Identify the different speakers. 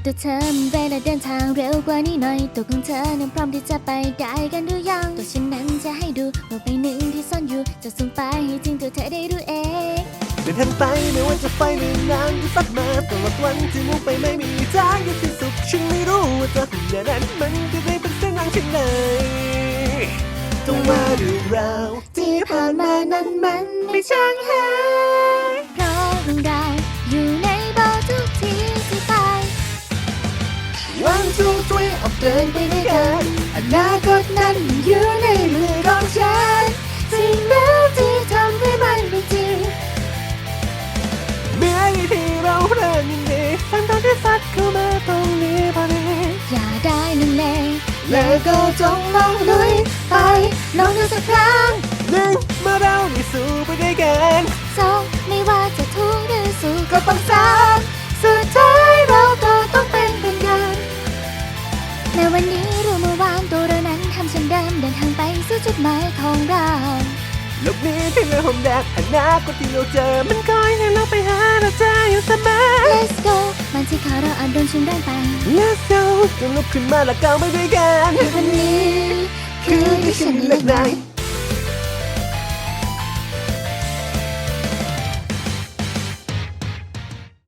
Speaker 1: ตัวเธอมันเวลาเดินทางเร็วกว่านี้หน่อยตัวของเธอนั้นพร้อมที่จะไปได้กันหรือยังตัวฉันนั้นจะให้ดูโลกใบหนึ่งที่ซ่อนอยู่จะส่งไปให้ถึงตัวเธอได้รู้เอง
Speaker 2: เดินทางไปไม่ว่าจะไฟหรือนานจะสักมาตลอดวันที่มุ่งไปไม่มีทางจะสิ้นสุดฉันไม่รู้ว่าตัวคนนั้นมันจะได้เป็นเส้นทางที่ไหนต้องว่าเรื่องราวที่ผ่านมานั้นมันไม่ช่างหาย
Speaker 1: เพราะเรื่องราวอยู่ในโบทุกที่ที่ไป
Speaker 2: One two three ออกเดินไปด้วยกันอนาคตนั้นอยู่ในมือของฉัน
Speaker 1: สิ่งแล้วที่ทำให้มันเป็นจริง
Speaker 2: เมื่อที่เราเริ่มยินดีฝันตอนที่สัดเข้ามาตรงนี้พอดี
Speaker 1: อย่าได้ลังเล
Speaker 2: แล้วก็จงลองลุยไป
Speaker 1: ลองดูสักครั้ง
Speaker 2: หนึ่งเมื่อเราได้สู้ไปด้วยกัน
Speaker 1: สองไม่ว่าจะทุกข์หรือสุขก็ต้องสานสุดท้ายเราก็ต้องเป็นเพื่อนกันในวันนี้รู้เมื่อวานตัวเรานั้นทำเช่นเดิมเดินทางไปสู่จุดหมายของเรา
Speaker 2: โลกนี้ที่เราหอมแดดอนาคตที่เราเจอมันคอยให้เราไปหาเราเจออยู่เสมอ
Speaker 1: Let's go บางทีขาเราอาจโดนชิงแรงไป
Speaker 2: Let's go จงลุกขึ้นมาและก้าวไปด้วยกัน
Speaker 1: ในวันนี้คือที่ฉันเลือกนาย